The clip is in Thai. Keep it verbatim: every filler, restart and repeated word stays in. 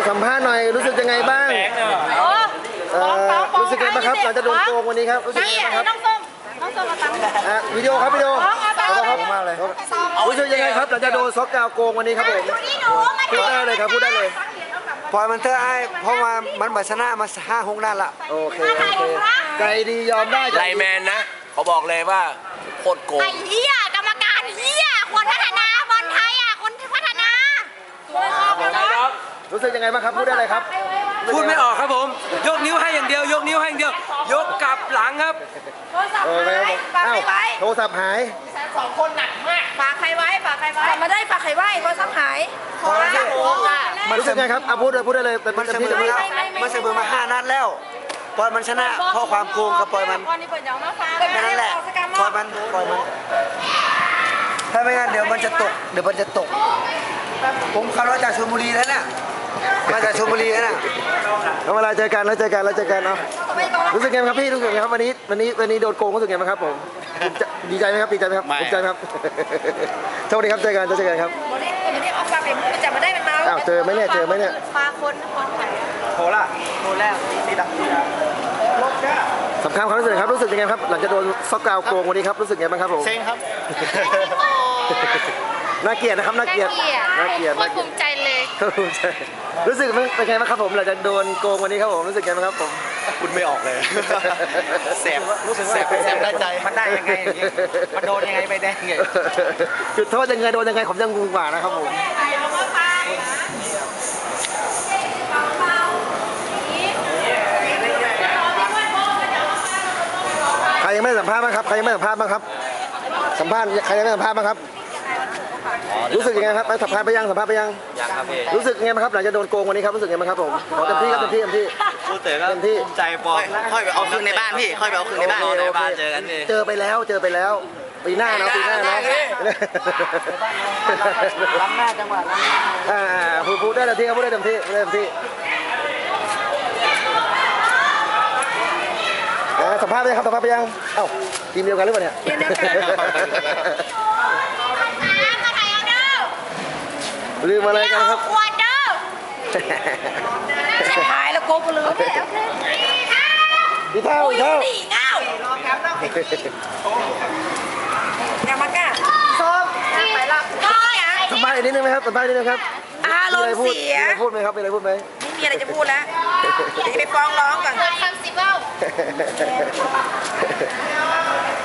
สัมภาษณ์หน่อยรู้สึกยังไงบ้างเอ่อรู้สึกยังไงบ้างครับเราจะโดนโกงวันนี้ครับรู้สึกยังไงบ้างครับน้องส้มน้องส้มมาตั้งอ่ะวิดีโอครับวิดีโอขอบคุณครับมากเลยรู้สึกยังไงครับเราจะโดนซอกกาวโกงวันนี้ครับผมพูดได้เลยครับพูดได้เลยปล่อยมันเถอะไอ้เพราะว่ามันบัชนะมาห้าหกนัดละโอเคโอเคใจดียอมได้ไลแมนนะเขาบอกเลยว่าโคตรโกงไอ้เหี้ยกรรมการเหี้ยคนพัฒนาบอลไทยอ่ะคนพัฒนารู้สึกยังไงบ้างครับพูดได้เลยครับพูดไม่ออกครับผมยกนิ้วให้อย่างเดียวยกนิ้วให้อย่างเดียวยกกลับหลังครับโอ้ยอ้าวโทรศัพท์หายสองคนหนักมากฝากใครไว้ฝากใครไว้มาได้ฝากใครไว้โทรศัพท์หายขอละมันรู้สึกไงครับเอาพูดเลยพูดได้เลยมันเสมอมามันเสมอมาห้านัดแล้วปล่อยมันชนะเพราะความโกงกับปล่อยมันแค่นั้นแหละปล่อยมันปล่อยมันถ้าไม่งั้นเดี๋ยวมันจะตกเดี๋ยวมันจะตกผมขับรถจากชลบุรีแล้วเนี่ยมาจากชลบุรีแล้วน่ะเวลาเจอกันแล้วเจอกันแล้วเจอกันเนาะรู้สึกไงครับพี่รู้สึกไงครับวันนี้วันนี้วันนี้โดนโกงรู้สึกไงบ้างครับผมดีใจไหมครับดีใจไหมครับดีใจไหมครับโชคดีครับเจอกันเจอกันครับวันนี้วันนี้ออกมาเป็นมันจะมาได้เป็นมาอ้าวเจอไหมเนี่ยเจอไหมเนี่ยปลาคนคนโหล่ะโหแล้วตีดักสำคัญความรู้สึกครับรู้สึกยังไงครับหลังจากโดนซอกกาวโกงวันนี้ครับรู้สึกไงบ้างครับผมเซ็งครับน่าเกลียดนะครับน่าเกลียดน่าเกลียดน่าภูมิใจเลยภูมิใจรู้สึกเป็นไงบ้างครับผมหลังจากโดนโกงวันนี้ครับผมรู้สึกไงบ้างครับผมคุณไม่ออกเลยแสบรู้สึกว่าแสบได้ใจมันได้ยังไงมันโดนยังไงไปได้ไงจุดโทษยังไงโดนยังไงผมยังงงกว่านะครับผมใครยังไม่สัมภาษณ์บ้างครับใครยังไม่สัมภาษณ์บ้างครับสัมภาษณ์ใครยังไม่สัมภาษณ์บ้างครับรู้สึกยังไงครับสัมภาษณ์ไปยังสัมภาษณ์ไปยังยังครับพี่รู้สึกยังไงบ้างครับหลังจากโดนโกงวันนี้ครับรู้สึกยังไงบ้างครับผมขอเต็มที่ครับเต็มที่เต็มที่พูดเต๋อก็ภูมิใจปอค่อยไปเอาคืนในบ้านพี่ค่อยไปเอาคืนในบ้านในบ้านเจอกันเองเจอไปแล้วเจอไปแล้วปีหน้าเนาะปีหน้าเนาะล้ำหน้าจังหวะล้ำหน้าอ่าพูดพูดได้เต็มที่ครับพูดได้เต็มที่ได้เต็มที่สัมภาษณ์ไปยังครับสัมภาษณ์ไปยังเอ้าทีมเดียวกันหรือเปล่าเนี่ยทีมเดียวกันลืมอะไรกันครับขวดเด้อชิบหายแล้วโกงลืมโอเคโอเคอีเท่าอีเท่าดีเงาอย่ามาก้าส้มไปละก้อยอ่ะสัมภาษณ์นิดนึงไหมครับสัมภาษณ์นิดนึงครับอารมณ์เสียมีอะไรพูดไหมครับมีอะไรพูดไหมไม่มีอะไรจะพูดแล้วจะไปฟ้องร้องก่อนคำสิบเบ้า